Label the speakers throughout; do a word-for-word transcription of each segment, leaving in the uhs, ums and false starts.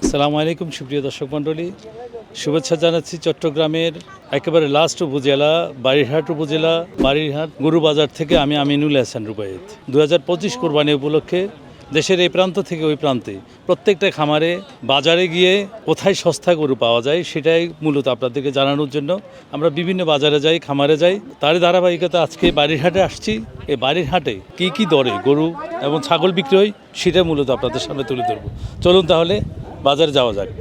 Speaker 1: আসসালামু আলাইকুম সুপ্রিয় দর্শক মণ্ডলী, শুভেচ্ছা জানাচ্ছি চট্টগ্রামের একেবারে লাস্ট উপজেলা বাড়িরহাট উপজেলা বাড়িরহাট গরু বাজার থেকে। আমি আমিনুল হাসান রুবায়েত। দু হাজার পঁচিশ কোরবানি উপলক্ষে দেশের এই প্রান্ত থেকে ওই প্রান্তে প্রত্যেকটা খামারে বাজারে গিয়ে কোথায় সস্তা গরু পাওয়া যায় সেটাই মূলত আপনাদেরকে জানানোর জন্য আমরা বিভিন্ন বাজারে যাই, খামারে যাই। তারই ধারাবাহিকতা আজকে বাড়িরহাটে আসছি। এই বাড়িরহাটে কী কী দরে গরু এবং ছাগল বিক্রি হয় সেটা মূলত আপনাদের সামনে তুলে ধরবো। চলুন তাহলে বাজারে যাওয়া যাক।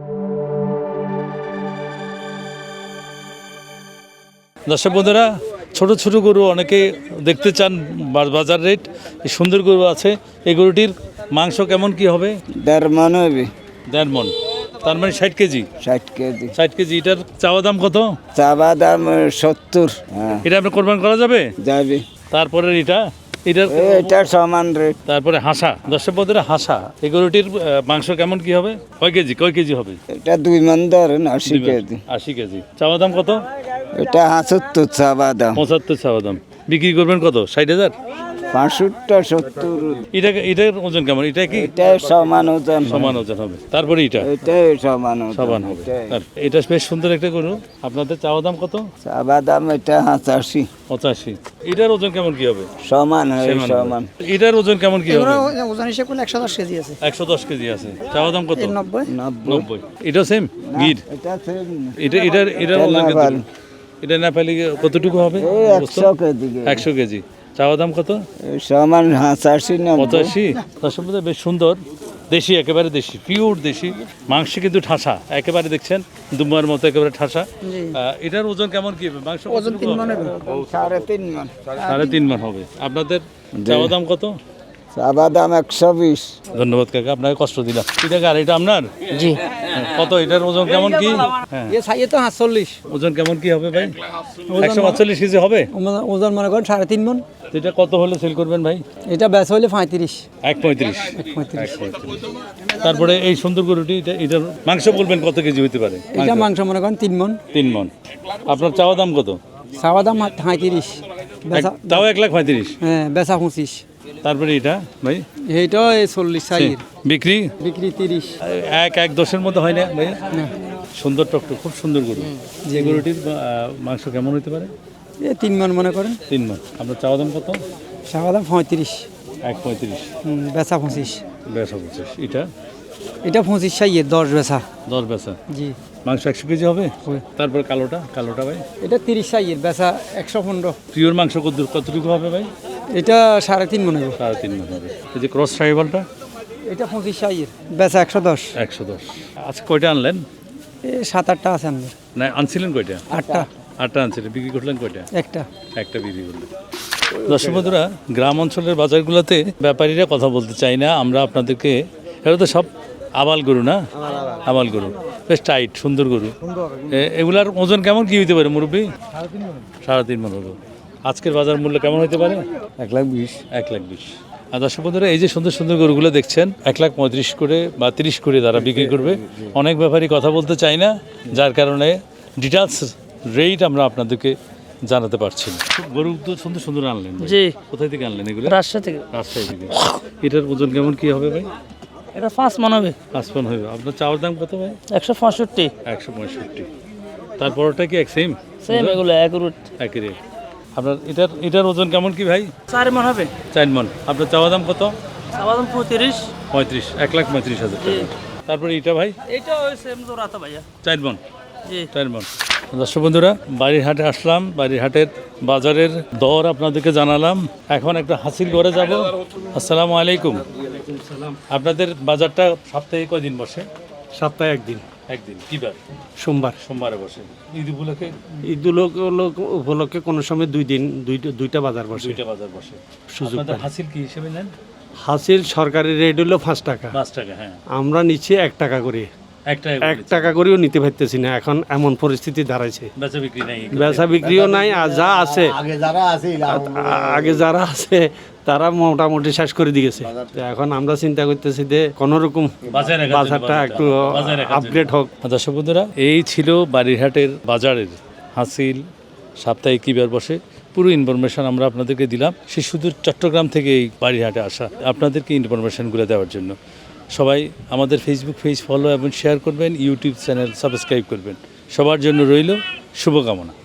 Speaker 1: দর্শক বন্ধুরা, ছোট ছোট গরু অনেকে দেখতে চান, বাজার রেট এই সুন্দর গরু আছে। এই গরুটির মাংস কেমন কি হবে?
Speaker 2: দেড় মন হবে।
Speaker 1: দেড় মন, তার মানে ষাট কেজি।
Speaker 2: ষাট কেজি।
Speaker 1: ষাট কেজি। এটার চাওয়া দাম কত?
Speaker 2: চাওয়া দাম সত্তর। হ্যাঁ,
Speaker 1: এটা আপনার কোরবান করা যাবে?
Speaker 2: যাবে।
Speaker 1: তারপরে এটা এটার
Speaker 2: এটা সমান রেট।
Speaker 1: তারপরে হাসা। দর্শক বন্ধুরা, হাসা এই গরুটির আহ, মাংস কেমন কি হবে? কয় কেজি কয় কেজি হবে?
Speaker 2: এটা দুই মন ধরেন, আশি কেজি।
Speaker 1: আশি কেজি। চাওয়া দাম কত?
Speaker 2: এটা হাসত্তর চাওয়া দাম।
Speaker 1: পঁচাত্তর চাওয়া দাম। বিক্রি করবেন কত? ষাট হাজার?
Speaker 2: পাঁচষট্টি সত্তর।
Speaker 1: এটা এটার ওজন কেমন? এটা কি
Speaker 2: এটা সমান ওজন।
Speaker 1: সমান ওজন হবে। তারপরে এটা
Speaker 2: এটাই সমান ওজন।
Speaker 1: সমান হবে। আর এটা বেশ সুন্দর একটা গরু। আপনাদের চাওয়া দাম কত?
Speaker 2: চাওয়া দাম এটা পঁচাশি।
Speaker 1: পঁচাশি। এটার ওজন কেমন কি হবে?
Speaker 2: সমান হয়,
Speaker 1: সমান হবে।
Speaker 2: সমান।
Speaker 1: এটার ওজন কেমন কি হবে?
Speaker 3: ওজন হিসেবে করলে একশো দশ কেজি আছে।
Speaker 1: একশো দশ কেজি আছে। চাওয়া দাম কত?
Speaker 3: নব্বই।
Speaker 2: নব্বই।
Speaker 1: নব্বই। এটা সেম গির?
Speaker 2: এটা same না।
Speaker 1: এটা এটার এটার
Speaker 2: এটা
Speaker 1: ওজন
Speaker 2: নেপাল।
Speaker 1: কত? এটা না পেলে কতটুকু হবে?
Speaker 2: এই একশো কেজি।
Speaker 1: একশো কেজি। চাওয়া দাম কত?
Speaker 2: এই সমান পঁচাশি না
Speaker 1: পঁচাশি। তার সম্বন্ধে বেশ সুন্দর দেশি, একেবারে দেশি, পিওর দেশি মাংস, কিন্তু ঠাসা একেবারে। দেখছেন দুম্বার মতো একেবারে ঠাসা। আহ, এটার ওজন কেমন কি হবে? মাংস
Speaker 3: ওজন তিন মন হবে।
Speaker 2: সাড়ে তিন মন।
Speaker 1: সাড়ে তিন মান হবে। আপনাদের চাওয়া দাম কত?
Speaker 2: চাওয়া দাম একশো বিশ।
Speaker 1: ধন্যবাদ কাকা, আপনাকে কষ্ট দিলাম। এটা কার? এটা আপনার?
Speaker 3: জি।
Speaker 1: কত এটার ওজন কেমন কি? হ্যাঁ,
Speaker 3: এ সাইয়ে তো সাতচল্লিশ।
Speaker 1: ওজন কেমন কি হবে ভাই? একশো পাঁচচল্লিশ কেজি হবে।
Speaker 3: ওজন মনে করেন সাড়ে তিন মন।
Speaker 1: তো এটা কত হলে সেল করবেন ভাই?
Speaker 3: এটা বেচ হইলে পঁয়ত্রিশ।
Speaker 1: এক পঁয়ত্রিশ।
Speaker 3: পঁয়ত্রিশ।
Speaker 1: তারপরে এই সুন্দর গরুটি, এটা এটার মাংস বলবেন কত কেজি হতে পারে?
Speaker 3: এটা মাংস মনে করেন তিন মন।
Speaker 1: তিন মন। আপনার চাওয়া দাম কত?
Speaker 3: চাওয়া দাম পঁয়ত্রিশ। বেচা
Speaker 1: এক- তাও এক লাখ পঁয়ত্রিশ।
Speaker 3: হ্যাঁ, বেচা পঁচিশ।
Speaker 1: তারপরে এটা ভাই
Speaker 3: এইটাও এই চল্লিশ সাইয়ের।
Speaker 1: বিক্রি
Speaker 3: বিক্রি তিরিশ।
Speaker 1: এক এক দশের মধ্যে হয় না ভাই?
Speaker 3: না,
Speaker 1: সুন্দর টকটক, খুব সুন্দর গরু। যে গরুটির আহ, মাংস কেমন হতে পারে?
Speaker 3: এ তিন মন মনে করেন।
Speaker 1: তিন মন। আপনার চাওয়া দাম কত?
Speaker 3: চাওয়া দাম পঁয়ত্রিশ।
Speaker 1: এক পঁয়ত্রিশ।
Speaker 3: হুম, বেচা পঁচিশ।
Speaker 1: বেচা পঁচিশ। এটা
Speaker 3: এটা পঁচিশ সাইয়ের, দশ বেচা।
Speaker 1: দশ বেচা।
Speaker 3: জি।
Speaker 1: মাংস একশো কেজি হবে।
Speaker 3: হবে।
Speaker 1: তারপরে কালোটা কালোটা ভাই
Speaker 3: এটা তিরিশ সাইয়ের, বেচা একশো পনেরো।
Speaker 1: পিওর মাংস কত কতটুকু হবে ভাই?
Speaker 3: এটা সাড়ে তিন মনে হবে।
Speaker 1: সাড়ে তিন মন হবে। এই যে ক্রস ট্রাইবালটা
Speaker 3: এটা পঁচিশ সাইয়ের, বেচা একশো দশ।
Speaker 1: একশো দশ। আজকে কয়টা আনলেন?
Speaker 3: এ সাত আটটা আছে আমাদের।
Speaker 1: না, আনছিলেন কয়টা?
Speaker 3: আটটা।
Speaker 1: আটটা আনছিলেন। বিক্রি করলেন কয়টা?
Speaker 3: একটা।
Speaker 1: একটা বিক্রি করলেন। দর্শক বন্ধুরা, গ্রাম অঞ্চলের বাজারগুলোতে ব্যাপারীরা কথা বলতে চাই না। আমরা আপনাদেরকে, এটা তো সব আবাল গরু না? আবাল গরু, বেশ টাইট সুন্দর গরু। এ- এগুলার ওজন কেমন কি হইতে পারে মুরব্বী? সাড়ে তিন মন হলো। আজকের বাজার মূল্য কেমন হতে পারে?
Speaker 2: এক লাখ বিশ।
Speaker 1: এক লাখ বিশ। আর দর্শক বন্ধুরা, এই যে সুন্দর সুন্দর গরুগুলো দেখছেন, এক লাখ পঁয়ত্রিশ করে বা তিরিশ করে তারা বিক্রি করবে। অনেক ব্যাপারই কথা বলতে চাই না, যার কারণে ডিটেলস রেট আমরা আপনাদেরকে জানাতে পারছি না। গরু তো সুন্দর সুন্দর আনলেন ভাই।
Speaker 3: জি।
Speaker 1: কোথায় থেকে আনলেন এগুলো?
Speaker 3: রাজশাহী থেকে।
Speaker 1: রাজশাহী থেকে। এটার ওজন কেমন কি হবে ভাই?
Speaker 3: এটা পাঁচ মন হবে।
Speaker 1: আসমান হবে। আপনার চাওয়ার দাম কত ভাই?
Speaker 3: একশো পঁয়ষট্টি।
Speaker 1: একশো পঁয়ষট্টি। তারপরটা কি এক সেম?
Speaker 3: সেম এগুলো এক রুট।
Speaker 1: একই রেট। আপনার এটার এটার ওজন কেমন কি ভাই?
Speaker 3: চার মন হবে।
Speaker 1: চার মন। আপনার চাওয়া দাম কত?
Speaker 3: চাওয়া দাম পঁয়ত্রিশ।
Speaker 1: পঁয়ত্রিশ। এক লাখ পঁয়ত্রিশ হাজার টাকা। তারপরে এটা ভাই?
Speaker 3: এইটা ওই সেম জোড়াতে ভাইয়া।
Speaker 1: চার মন।
Speaker 3: জি।
Speaker 1: চার মন। দর্শক বন্ধুরা, বাড়ির হাটে আসলাম। বাড়ির হাটের বাজারের দর আপনাদেরকে জানালাম। এখন একটা হাসিল করে যাব। আসসালামু আলাইকুম। আপনাদের বাজারটা সপ্তাহে কয়দিন বসে?
Speaker 4: সপ্তাহে একদিন।
Speaker 1: একদিন। কিবার?
Speaker 4: সোমবার।
Speaker 1: সোমবারে বসে। ঈদ উপলক্ষে
Speaker 4: ঈদ উপলক্ষে কোনো সময় দুই দিন দুইটা দুইটা বাজার বসে।
Speaker 1: দুইটা বাজার বসে।
Speaker 4: সুযোগ
Speaker 1: আপনাদের
Speaker 4: পাই।
Speaker 1: হাসিল কি হিসেবে নেন?
Speaker 4: হাসিল সরকারি রেট হলো পাঁচ টাকা,
Speaker 1: পাঁচ টাকা। হ্যাঁ,
Speaker 4: আমরা নিচ্ছি এক টাকা করে।
Speaker 1: একটা
Speaker 4: এক টাকা করেও নিতে পারতেছি না, এখন এমন পরিস্থিতি দাঁড়াইছে।
Speaker 1: বেচা বিক্রি নাই।
Speaker 4: বেচা বিক্রিও নাই, আর যা আছে
Speaker 2: আগে যারা আছে
Speaker 4: আ- আগে যারা আছে তারা মোটামুটি শেষ করে দিয়েছে। তো এখন আমরা চিন্তা করতেছি যে কোনো রকম
Speaker 1: বাজারে রাখার জন্য
Speaker 4: বাজারটা একটু
Speaker 1: বাজারে রাখার জন্য।
Speaker 4: আপগ্রেড হোক।
Speaker 1: দর্শক বন্ধুরা, এই ছিল বাড়িরহাটের বাজারের হাসিল, সাপ্তাহিক কিবার বসে পুরো ইনফরমেশন আমরা আপনাদেরকে দিলাম। সে শুধু চট্টগ্রাম থেকে এই বাড়িরহাটে আসা আপনাদেরকে ইনফরমেশনগুলো দেওয়ার জন্য। সবাই আমাদের ফেসবুক পেজ ফলো এবং শেয়ার করবেন, ইউটিউব চ্যানেল সাবস্ক্রাইব করবেন। সবার জন্য রইল শুভকামনা।